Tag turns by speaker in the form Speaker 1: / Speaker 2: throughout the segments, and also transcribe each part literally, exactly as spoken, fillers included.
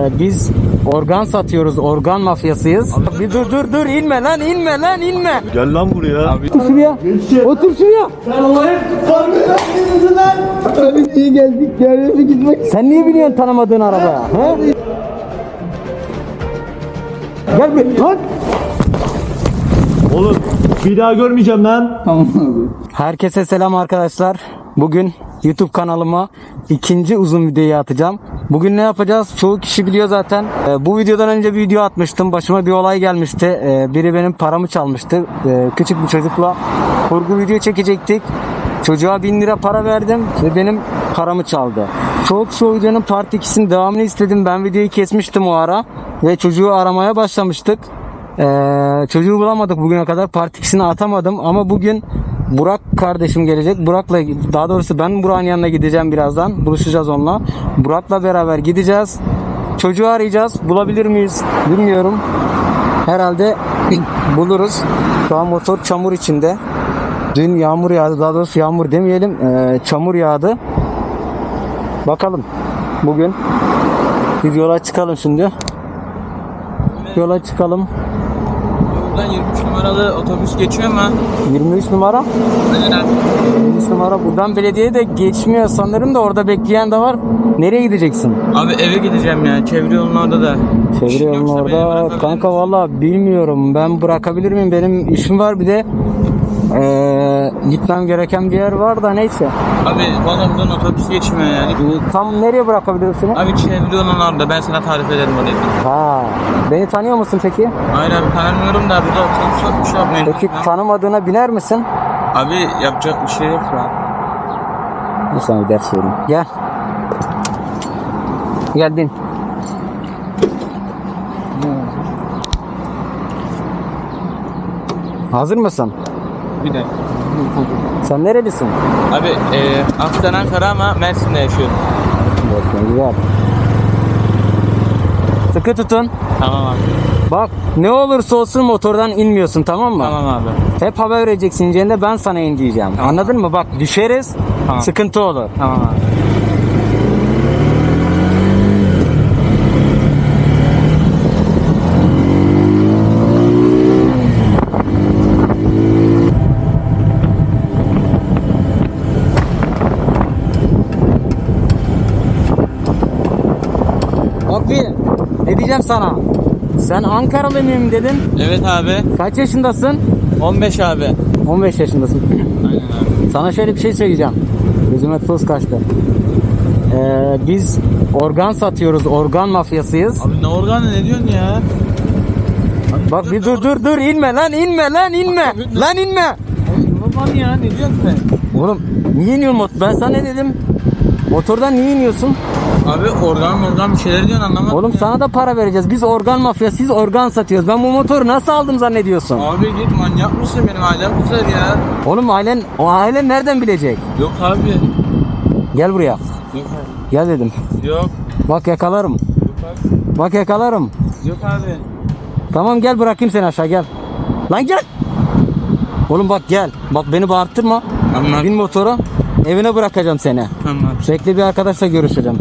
Speaker 1: Ee, biz organ satıyoruz, organ mafyasıyız. Abi, bir dur dur dur inme lan inme lan inme.
Speaker 2: Gel lan buraya. Abi.
Speaker 1: Otur şuraya. Otur şuraya.
Speaker 3: Ben olayım. Farkındasınız lan. Abi niye geldik ya? Gitmek.
Speaker 1: Sen niye biniyorsun tanımadığın arabaya? He? Gel bir lan.
Speaker 2: Oğlum bir daha görmeyeceğim lan.
Speaker 3: Tamam abi.
Speaker 1: Herkese selam arkadaşlar. Bugün YouTube kanalıma ikinci uzun videoyu atacağım. Bugün ne yapacağız? Çoğu kişi biliyor zaten. Ee, bu videodan önce bir video atmıştım. Başıma bir olay gelmişti. Ee, biri benim paramı çalmıştı. Ee, küçük bir çocukla kurgu video çekecektik. Çocuğa bin lira para verdim ve benim paramı çaldı. Çoğu kişi o videonun part ikisinin devamını istedim. Ben videoyu kesmiştim o ara. Ve çocuğu aramaya başlamıştık. Ee, çocuğu bulamadık bugüne kadar. Part ikisini atamadım ama bugün Burak kardeşim gelecek. Burak'la, daha doğrusu ben Burak'ın yanına gideceğim birazdan. Buluşacağız onunla. Burak'la beraber gideceğiz. Çocuğu arayacağız. Bulabilir miyiz? Bilmiyorum. Herhalde buluruz. Şu an motor çamur içinde. Dün yağmur yağdı. Daha doğrusu yağmur demeyelim. Ee, çamur yağdı. Bakalım. Bugün bir yola çıkalım şimdi. Yola çıkalım.
Speaker 4: Buradan yirmi üç numaralı otobüs geçiyor mu?
Speaker 1: yirmi üç numara. yirmi üç numara buradan belediye de geçmiyor sanırım da orada bekleyen de var. Nereye gideceksin?
Speaker 4: Abi eve gideceğim ya. Çevre yolun orada da.
Speaker 1: Çevre
Speaker 4: İşin
Speaker 1: yolun
Speaker 4: yoksa beni
Speaker 1: orada.
Speaker 4: bırakabilir
Speaker 1: Kanka
Speaker 4: misin?
Speaker 1: valla bilmiyorum. Ben bırakabilir miyim? Benim işim var bir de. Ee, gitmem gereken bir yer var da neyse.
Speaker 4: Abi valla buradan otobüs geçmiyor yani.
Speaker 1: Tam nereye bırakabilirsin?
Speaker 4: Abi çevre yolun orada. Ben sana tarif ederim orayı.
Speaker 1: Ha. Beni tanıyor musun peki?
Speaker 4: Hayır abi tanımıyorum da burada otobüs yokmuş abi.
Speaker 1: Peki tanımadığına biner misin?
Speaker 4: Abi yapacak bir şey yok ya.
Speaker 1: Bir sana bir ders vereyim. Gel. Gel bin. Hazır mısın?
Speaker 4: Bir de.
Speaker 1: Sen nerelisin?
Speaker 4: Abi e, aslen Ankara ama Mersin'de yaşıyorum.
Speaker 1: Bakın güzel. Sıkı tutun.
Speaker 4: Tamam abi.
Speaker 1: Bak ne olursa olsun motordan inmiyorsun, tamam mı?
Speaker 4: Tamam abi.
Speaker 1: Hep haber vereceksin ineceğinde ben sana in diyeceğim.
Speaker 4: Tamam.
Speaker 1: Anladın mı? Bak düşeriz,
Speaker 4: Tamam.
Speaker 1: sıkıntı olur.
Speaker 4: Tamam abi.
Speaker 1: Bak bir ne diyeceğim sana? Sen Ankaralı mıyım dedin?
Speaker 4: Evet abi.
Speaker 1: Kaç yaşındasın?
Speaker 4: on beş abi.
Speaker 1: on beş yaşındasın.
Speaker 4: Aynen abi.
Speaker 1: Sana şöyle bir şey söyleyeceğim. Gözüme tuz kaçtı. Ee, biz organ satıyoruz, organ mafyasıyız.
Speaker 4: Abi ne organı ne diyorsun ya?
Speaker 1: Bak bir dur dur dur inme lan inme lan inme. Lan inme.
Speaker 4: Organ ya ne diyorsun sen?
Speaker 1: Oğlum niye iniyorsun motor? Ben sana ne dedim? Motordan niye iniyorsun?
Speaker 4: Abi organ organ bir şeyler diyorsun anlamadım.
Speaker 1: Oğlum
Speaker 4: ya.
Speaker 1: sana da para vereceğiz. Biz organ mafyasıyız, organ satıyoruz. Ben bu motoru nasıl aldım zannediyorsun?
Speaker 4: Abi git manyak mısın benim ailem güzel ya.
Speaker 1: Oğlum ailen, o ailen nereden bilecek?
Speaker 4: Yok abi.
Speaker 1: Gel buraya.
Speaker 4: Yok abi.
Speaker 1: Gel dedim.
Speaker 4: Yok.
Speaker 1: Bak yakalarım.
Speaker 4: Yok abi.
Speaker 1: Bak yakalarım.
Speaker 4: Yok abi.
Speaker 1: Tamam gel bırakayım seni aşağı gel. Lan gel. Oğlum bak gel. Bak beni bağırtırma.
Speaker 4: Tamam.
Speaker 1: Bin motora. Evine bırakacağım seni.
Speaker 4: Tamam abi.
Speaker 1: Sürekli bir arkadaşla görüşeceğim.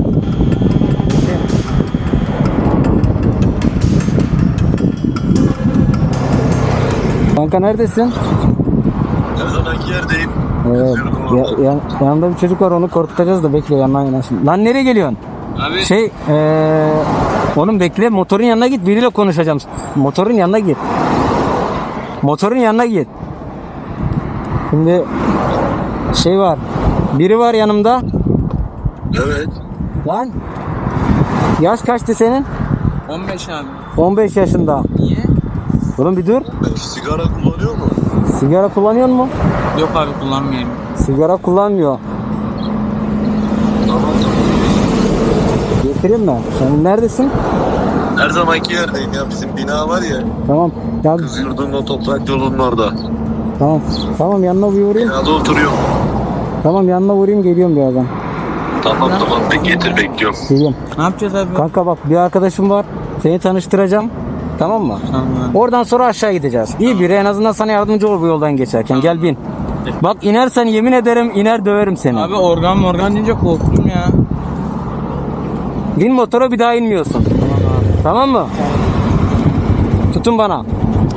Speaker 1: Kanka neredesin?
Speaker 2: Her zamanki yerdeyim.
Speaker 1: Evet. Ya, yan- yanında bir çocuk var, onu korkutacağız da bekle yanına yanaşın. Lan nereye geliyorsun?
Speaker 4: Abi.
Speaker 1: Şey ee, oğlum bekle, motorun yanına git, biriyle konuşacağım. Motorun yanına git. Motorun yanına git. Şimdi şey var. Biri var yanımda.
Speaker 2: Evet.
Speaker 1: Lan. Yaş kaçtı senin?
Speaker 4: on beş abi.
Speaker 1: on beş yaşında.
Speaker 4: Niye?
Speaker 1: Oğlum bir dur.
Speaker 2: Sigara kullanıyor mu?
Speaker 1: Sigara kullanıyor mu?
Speaker 4: Yok abi kullanmıyorum.
Speaker 1: Sigara kullanmıyor.
Speaker 2: Tamam tamam.
Speaker 1: Getireyim mi? Sen neredesin?
Speaker 2: Her zamanki yerdeyim ya. Bizim bina var ya.
Speaker 1: Tamam. Ya,
Speaker 2: Kız yurdunun o toprak yolunun orada.
Speaker 1: tamam. Tamam yanına bir uğrayayım.
Speaker 2: Binada oturuyorum.
Speaker 1: Tamam yanına uğrayayım, geliyorum birazdan.
Speaker 2: Tamam tamam. Ben getir bekliyorum.
Speaker 1: Geliyorum.
Speaker 4: Ne yapacağız abi?
Speaker 1: Kanka bak bir arkadaşım var. Seni tanıştıracağım. Tamam mı?
Speaker 4: Tamam abi.
Speaker 1: Oradan sonra aşağı gideceğiz. İyi biri, en azından sana yardımcı olur bu yoldan geçerken. Gel bin. Bak inersen yemin ederim iner döverim seni.
Speaker 4: Abi organ morgan deyince korktum ya.
Speaker 1: Bin motora, bir daha inmiyorsun.
Speaker 4: Tamam
Speaker 1: Tamam mı? Tutun bana.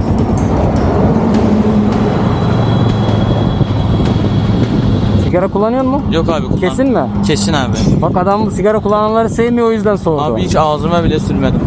Speaker 1: Sigara kullanıyor mu?
Speaker 4: Yok abi kullan.
Speaker 1: Kesin mi?
Speaker 4: Kesin abi.
Speaker 1: Bak adam sigara kullananları sevmiyor, o yüzden soğudu.
Speaker 4: Abi hiç ağzıma bile sürmedim.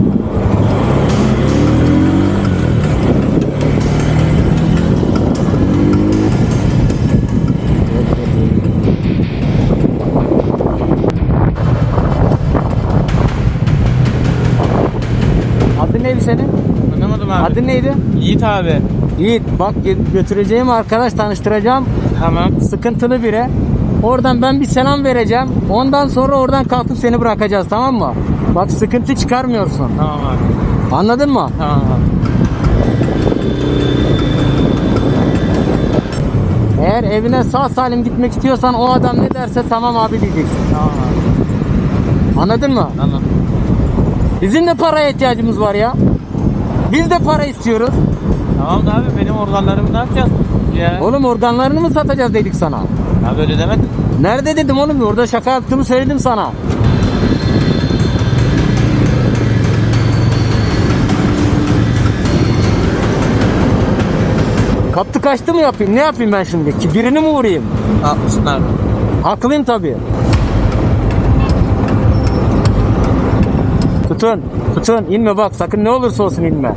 Speaker 1: Adın neydi senin?
Speaker 4: Anlamadım abi.
Speaker 1: Adın neydi?
Speaker 4: Yiğit abi.
Speaker 1: Yiğit. Bak gö- götüreceğim arkadaş, tanıştıracağım.
Speaker 4: Tamam.
Speaker 1: Sıkıntılı biri. Oradan ben bir selam vereceğim. Ondan sonra oradan kalkıp seni bırakacağız, tamam mı? Bak sıkıntı çıkarmıyorsun.
Speaker 4: Tamam abi.
Speaker 1: Anladın mı?
Speaker 4: Tamam abi.
Speaker 1: Eğer evine sağ salim gitmek istiyorsan o adam ne derse tamam abi diyeceksin.
Speaker 4: Tamam abi.
Speaker 1: Anladın mı?
Speaker 4: Anladım.
Speaker 1: Bizim de paraya ihtiyacımız var ya. Biz de para istiyoruz.
Speaker 4: Tamam da abi benim organlarımı ne yapacağız? Ya.
Speaker 1: Oğlum organlarını mı satacağız dedik sana?
Speaker 4: Abi öyle demedim.
Speaker 1: Nerede dedim oğlum? Orada şaka yaptığımı söyledim sana. Kaptı kaçtı mı yapayım? Ne yapayım ben şimdi? Ki birini mi vurayım?
Speaker 4: Haklısın abi.
Speaker 1: Haklıyım tabii. Tutun. Tutun. İnme bak. Sakın ne olursa olsun inme.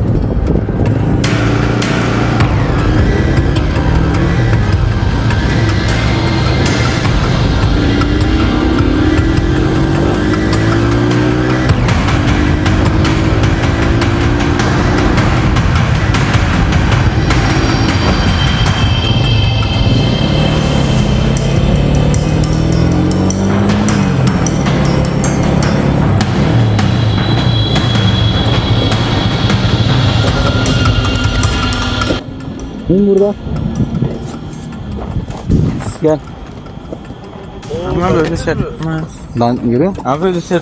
Speaker 1: İn burada. Gel.
Speaker 4: Abi öyle şey.
Speaker 1: Lan yürü.
Speaker 4: Abi öyle şey.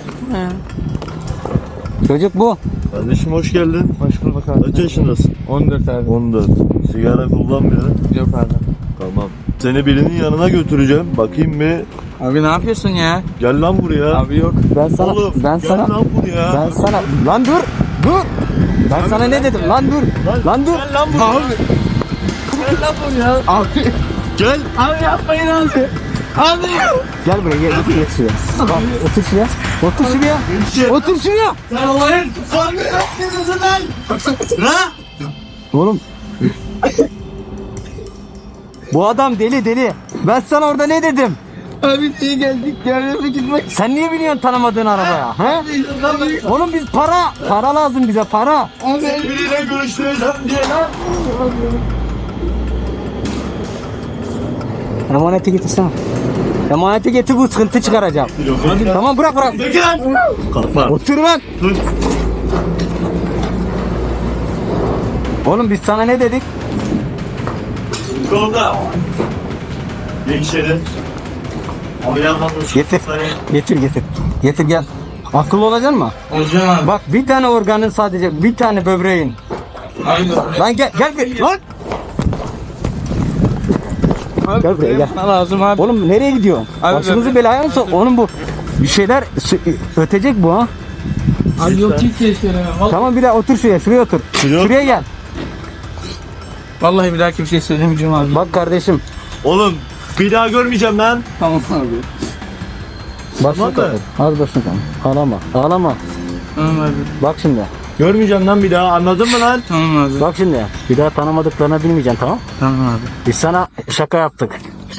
Speaker 1: Çocuk bu.
Speaker 2: Kardeşim hoş geldin.
Speaker 4: Hoş bulduk abi.
Speaker 2: Kaç yaşındasın?
Speaker 4: on dört abi.
Speaker 2: on dört. Sigara kullanmıyor.
Speaker 4: Yok abi.
Speaker 2: Tamam. Seni birinin yanına götüreceğim. Bakayım bir.
Speaker 4: Abi ne yapıyorsun ya?
Speaker 2: Gel lan buraya.
Speaker 4: Abi yok.
Speaker 1: Ben sana
Speaker 2: Oğlum
Speaker 1: ben
Speaker 2: gel
Speaker 1: sana
Speaker 2: lan buraya.
Speaker 1: ben sana lan dur. Dur. Ben sana ne dedim? Lan dur. Lan dur.
Speaker 2: Gel lan buraya.
Speaker 4: Gel lan buraya.
Speaker 2: Abi. Gel.
Speaker 4: Abi yapmayın abi. Abi.
Speaker 1: Gel buraya gel. Geç, geç şuraya. Bak, otur şuraya. Otur şuraya. Otur şuraya.
Speaker 2: Sen olayın. Sen ne yapıyorsun lan? Ha?
Speaker 1: Oğlum. Bu adam deli deli. Ben sana orada ne dedim?
Speaker 3: Abi niye geldik? Yardım gitmek.
Speaker 1: Sen niye biniyorsun tanımadığın arabaya? He? Oğlum biz para. Para lazım bize para.
Speaker 2: Biriyle görüştüreceğim diye lan.
Speaker 1: Emaneti getirsene. Emaneti getir, bu sıkıntı çıkaracağım. Tamam bırak bırak.
Speaker 2: Kalkma.
Speaker 1: Otur lan.
Speaker 2: Dur.
Speaker 1: Oğlum biz sana ne dedik?
Speaker 2: Yolda. Geç içeri. Abi yanmasın.
Speaker 1: Getir. Getir getir. Getir gel. Akıllı olacaksın mı?
Speaker 4: Olacağım abi.
Speaker 1: Bak bir tane organın sadece, bir tane böbreğin.
Speaker 4: Abi.
Speaker 1: Lan gel gel gel. Lan. Gel buraya gel.
Speaker 4: Bana lazım abi.
Speaker 1: Oğlum nereye gidiyorsun?
Speaker 4: Abi
Speaker 1: Başımızı
Speaker 4: böbrek-
Speaker 1: belaya mı sok? Oğlum bu bir şeyler sü- ötecek bu ha.
Speaker 4: Abi yok ki keşke.
Speaker 1: Tamam bir daha otur şuraya. Şuraya otur.
Speaker 2: Şuraya-
Speaker 1: Şuraya gel.
Speaker 4: Vallahi bir daha kimseye söylemeyeceğim abi.
Speaker 1: Bak kardeşim.
Speaker 2: Oğlum bir daha görmeyeceğim lan.
Speaker 4: Tamam abi.
Speaker 1: Başını
Speaker 2: Tamam da.
Speaker 1: kapat. Az başını kapat. Ağlama. Ağlama.
Speaker 4: Tamam abi.
Speaker 1: Bak şimdi.
Speaker 2: Görmeyeceğim lan bir daha, anladın mı lan?
Speaker 4: Tamam abi.
Speaker 1: Bak şimdi. Bir daha tanımadıklarına bilmeyeceksin, tamam?
Speaker 4: Tamam abi.
Speaker 1: Biz sana şaka yaptık.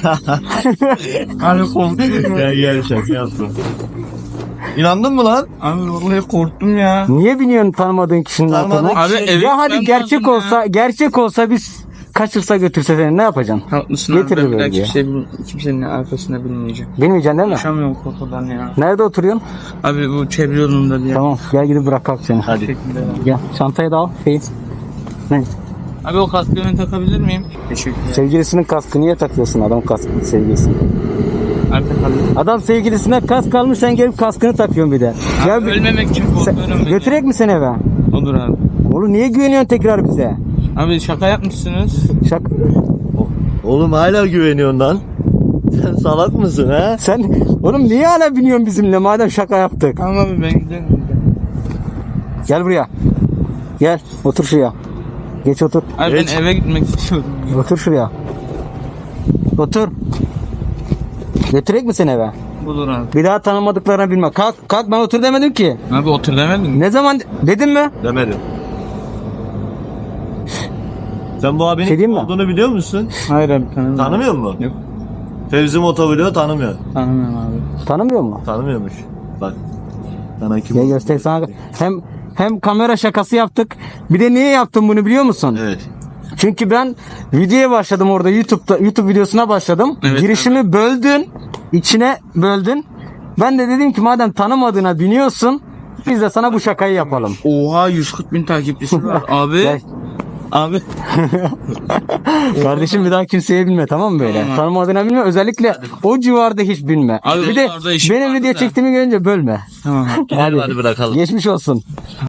Speaker 4: Abi korktum.
Speaker 2: Gel gel şaka yaptım. İnandın mı lan?
Speaker 4: Abi vallahi korktum ya.
Speaker 1: Niye biniyorsun tanımadığın kişinin
Speaker 2: Tanımadığın
Speaker 1: altına?
Speaker 4: Abi eve
Speaker 1: Ya hadi
Speaker 4: gitmem
Speaker 1: gerçek
Speaker 4: lazım
Speaker 1: olsa,
Speaker 4: ya.
Speaker 1: gerçek olsa biz kaçırsa götürse seni ne yapacaksın?
Speaker 4: Haklısın
Speaker 1: Getirir
Speaker 4: abi. Ben bir daha
Speaker 1: bölgeye.
Speaker 4: kimse, kimsenin arkasında bilmeyeceğim.
Speaker 1: Bilmeyeceksin değil mi?
Speaker 4: Yaşamıyorum korkudan ya.
Speaker 1: Nerede oturuyorsun?
Speaker 4: Abi bu çevre yolunda bir yer.
Speaker 1: Tamam gel gidip bırakalım seni.
Speaker 2: Hadi.
Speaker 4: Teşekkürler abi.
Speaker 1: Gel çantayı da al. Şey. Ne?
Speaker 4: Abi o kaskı ben takabilir miyim? Teşekkürler.
Speaker 1: Sevgilisinin kaskı niye takıyorsun, adam kaskını sevgilisini?
Speaker 4: Abi takabilir.
Speaker 1: Adam sevgilisine kask almış, sen gelip kaskını takıyorsun bir de. Gel
Speaker 4: Abi
Speaker 1: bir-
Speaker 4: ölmemek için
Speaker 1: sen-
Speaker 4: korkuyorum ben.
Speaker 1: götürek mi seni eve?
Speaker 4: Olur abi.
Speaker 1: Oğlum niye güveniyorsun tekrar bize?
Speaker 4: Abi şaka yapmışsınız.
Speaker 1: Şak
Speaker 2: Oğlum hala güveniyorsun lan. Sen salak mısın ha?
Speaker 1: sen oğlum niye hala biniyorsun bizimle madem şaka yaptık?
Speaker 4: Tamam abi ben gidelim.
Speaker 1: Gel buraya. Gel otur şuraya. Geç otur.
Speaker 4: Abi
Speaker 2: Geç.
Speaker 4: ben eve gitmek istiyorum.
Speaker 1: Otur şuraya. Otur. Götürek mi seni eve?
Speaker 4: Bulur abi.
Speaker 1: Bir daha tanımadıklarına bilme. Kalk kalk, ben otur demedim ki.
Speaker 4: Abi otur demedin mi?
Speaker 1: Ne zaman dedim mi?
Speaker 2: Demedim. Sen bu abinin
Speaker 1: Şey
Speaker 2: kim
Speaker 1: diyeyim mi?
Speaker 2: olduğunu biliyor musun?
Speaker 4: Hayır abi tanımıyorum.
Speaker 2: Tanımıyor musun?
Speaker 4: Yok.
Speaker 2: Fevzi Motovlog'u tanımıyor.
Speaker 4: Tanımıyorum abi.
Speaker 1: Tanımıyor mu?
Speaker 2: Tanımıyormuş. Bak. Sana kim
Speaker 1: Gel
Speaker 2: olduğunu
Speaker 1: göster sana.
Speaker 2: göstereyim.
Speaker 1: Hem hem kamera şakası yaptık. Bir de niye yaptım bunu biliyor musun?
Speaker 2: Evet.
Speaker 1: Çünkü ben videoya başladım orada, YouTube'da YouTube videosuna başladım.
Speaker 4: Evet,
Speaker 1: Girişimi böldün, içine böldün. Ben de dedim ki madem tanımadığına biniyorsun, biz de sana bu şakayı yapalım.
Speaker 4: Oha yüz kırk bin takipçisi var. Abi.
Speaker 1: Gel.
Speaker 4: Abi.
Speaker 1: Kardeşim bir daha kimseye bilme, tamam mı böyle?
Speaker 4: Tamam.
Speaker 1: Tanımadığına bilme, özellikle o civarda hiç bilme.
Speaker 4: Abi
Speaker 1: Bir de
Speaker 4: oralarda işim
Speaker 1: benim
Speaker 4: vardı
Speaker 1: video
Speaker 4: da.
Speaker 1: çektiğimi görünce bölme.
Speaker 4: Tamam.
Speaker 2: Gidelim hadi bırakalım.
Speaker 1: Geçmiş olsun.